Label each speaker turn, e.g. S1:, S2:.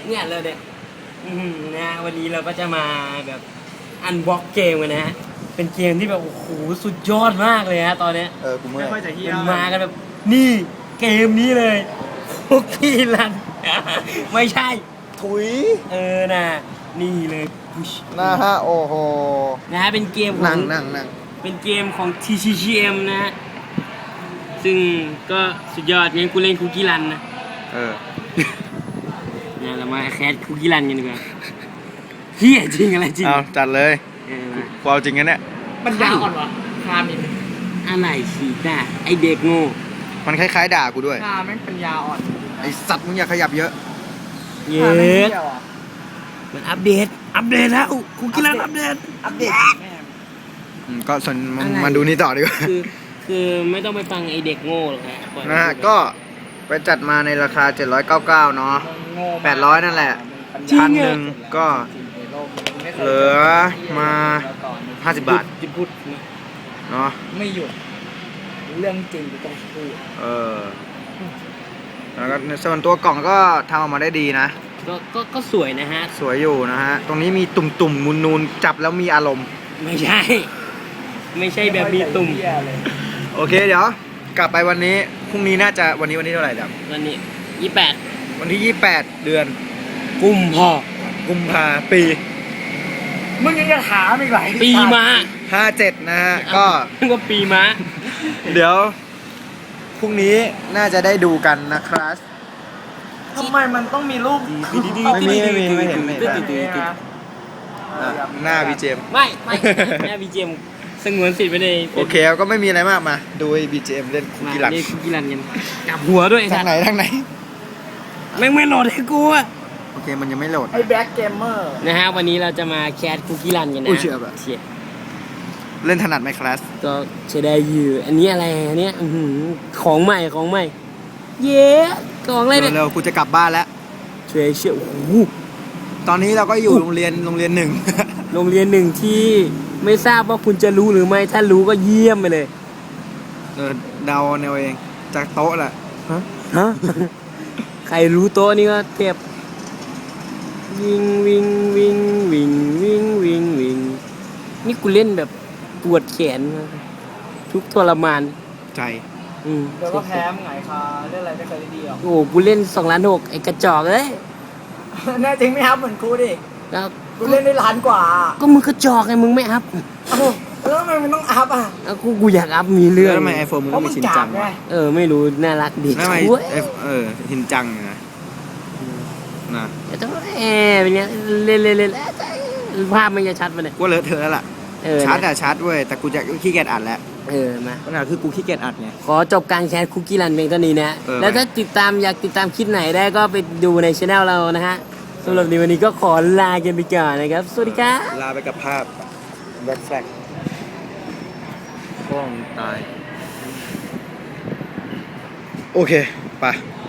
S1: เนี่ยเลยเนี่ยนะวันนี้เราก็จะมาแบบอันบ็อกเกมกันนะฮะเป็นเกมที่แบบโอ้โหสุดยอดมากเลยฮะตอนเนี้ย
S2: กูเมื่
S3: ไม่
S2: อย
S3: ค่อยจะเฮี้ย
S1: มันมากันแบบนี่เกมนี้เลยคุกกี้รัน ไม่ใช่
S2: ถุย
S1: นะนี่เลยพุช
S2: นะฮะโอ้โห
S1: นะฮะเป็นเกมของ
S2: นั่ง
S1: เป็นเกมของ TCGM นะฮะซึ่งก็สุดยอดงั้นกูเล่นคุกกี้รันนะ เนี่ยเรามาแคสคุกกี้รันกันดีกว่าเฮียจริงอะไรจริง
S2: เอาจัดเลย
S1: เออมา
S2: กูเอาจริงกันเนี่ย
S3: มันยาวอ่อนวะคามิน
S1: อะไรฉีดอ่ะไอเด็กโง่
S2: มันคล้ายๆด่ากูด้วย
S3: คาแม่งเป็นยาอ่อน
S2: ไอสัตว์มึงอย่าขยับเยอะ
S1: เย
S3: คาแม่ง
S1: อะ
S3: เที่ยวอ่ะ
S1: มันอัปเดตแล้วคุกกี้รันอัปเดต
S3: อัปเดตแม่ง
S2: ก็ส่วนมึง
S1: อะไร
S2: มาดูนี่ต่อดีกว่า
S1: คือไม่ต้องไปฟังไอเด็กโง่หรอกฮะปล่อยมั
S2: นะฮะ
S1: พูดไป
S2: ก็ไปจัดมาในราคา 799 เนาะ
S3: โง่มาก
S2: 800 นั่นแหละ
S1: จริง
S2: พัน
S1: อะ
S2: หนึ่งก็ เหลือมา 50 บาท
S1: จะพูด
S2: เนาะ
S3: ไม่หยุดเรื่องจริงกูต้องพูด
S2: แล้วก็ในส่วนตัวกล่องก็ทำออกมาได้ดีนะ
S1: ก็สวยนะฮะ
S2: สวยอยู่นะฮะ ตรงนี้มีตุ่มๆนูนๆจับแล้วมีอารมณ์
S1: ไม่ใช่ ไม่ใช่แบบมีตุ่ม
S3: ไค่อยจะเหี้ยเลย
S2: โอเคเดี๋ยว กลับไปวันนี้พรุ่งนี้น่าจะวันนี้เท่าไหร่ดับ
S1: วันนี้28
S2: วันที่ 28 เดือน
S1: กุมภา
S2: กุมภาปี
S3: มึงยังจะถามอีกเหรอ
S1: ปีม้า
S2: 57 นะฮะ ก็
S1: ก็ปีม้า
S2: เดี๋ยวพรุ่งนี้น่าจะได้ดูกันนะครับ
S3: ทำไมมันต้องมีรูป
S2: ไม่เห็นไม่เห็น หน้าบีเจม
S1: ไม่แม่บีเจมสงวนสิทธิ์ไปใน
S2: โอเคก็ไม่มีอะไรมากมา ดูไอ้บีเจมเล่นคุก
S1: มา
S2: กี้หลัง
S1: เล่นคุกกี้รันกันกลับหัวด้วย
S2: ทางไหนทางไหน
S1: แม่งไม่โหลดให้กูอะ
S2: โอเคมันยังไม่โหลด
S3: ไอ้แบ็คเกมเมอร์
S1: นะฮะวันนี้เราจะมาแคสคุกกี้รันกันนะ
S2: อุ้ยเชื่อแบบ
S1: เชี่ย
S2: เล่นถนัดไหมคลาส
S1: ก็ใช้ได้อยู่อันนี้อะไรอันเนี้ยอื้อหือของใหม่เย้ของอะไรเนี่ย
S2: เร็วๆกูจะกลับบ้านแล้ว
S1: เชื่อโอ้โห
S2: ตอนนี้เราก็อยู่โรงเรียนหนึ่ง
S1: โรงเรียนหนึ่งที่ไม่ทราบว่าคุณจะรู้หรือไม่ถ้ารู้ก็เยี่ยมไปเลย
S2: เดาแนวเองจากโต๊ะแหละ
S1: ฮะ ใครรู้โต๊ะนี่ก็เทพวิ่งนี่กูเล่นแบบปวดแขนทุกทรมาน
S2: ใจ
S3: เดี๋ยวก็แพ้มึงไงคาเล่นอะไรไม่เคยได้ดีหรอก
S1: โอ้กูเล่น2,600,000ไอ้กระจอกเอ้ย
S3: แน่จริงไม่ครับเหมือนกูดิ
S1: แล้ว
S3: กูเล่นได้ล้านกว่า
S1: ก็มึงกระจอกไงมึงไม่อัพ
S3: เอ้าแล้วทำไมมันต้องอัพอ่ะ
S1: แล้วกูอยากอัพมีเรื่อง
S2: แล้วทำไมไอโฟนมึง
S3: เพ
S2: ต้อ
S3: ราะ
S2: ง
S3: มึ
S2: มี
S3: ง
S2: ชิน
S3: กา
S2: จั
S3: ก
S2: ง
S3: ไง
S2: วะ
S1: ไม่รู้น่ารักดี
S2: ทำไม
S1: โอ้ย
S2: ชินจังนะ
S1: แต่ต้องเป็นเงี้ยเล่นภาพมันจะชัดมาเนี่ย
S2: กูเลอะเทอะแล้วล่ะ ชาร์จอะชาร์จเว้ยแต่กูจะขี้เกียจอัดแล้ว
S1: มา
S2: ปัญหาคือกูขี้เกียจอัดไง
S1: ขอจบการแชร์คุกกี้รันเพียงเท่านี้นะ แล้วถ้าอยากติดตามคลิปไหนได้ก็ไปดูในช anel เรานะฮะสำหรับในวันนี้ก็ขอลากันไปก่อนนะครับ สวัสดีครับ
S2: ลาไปกับภาพแบ็คแฟลกฟ้องตาย โอเค ไป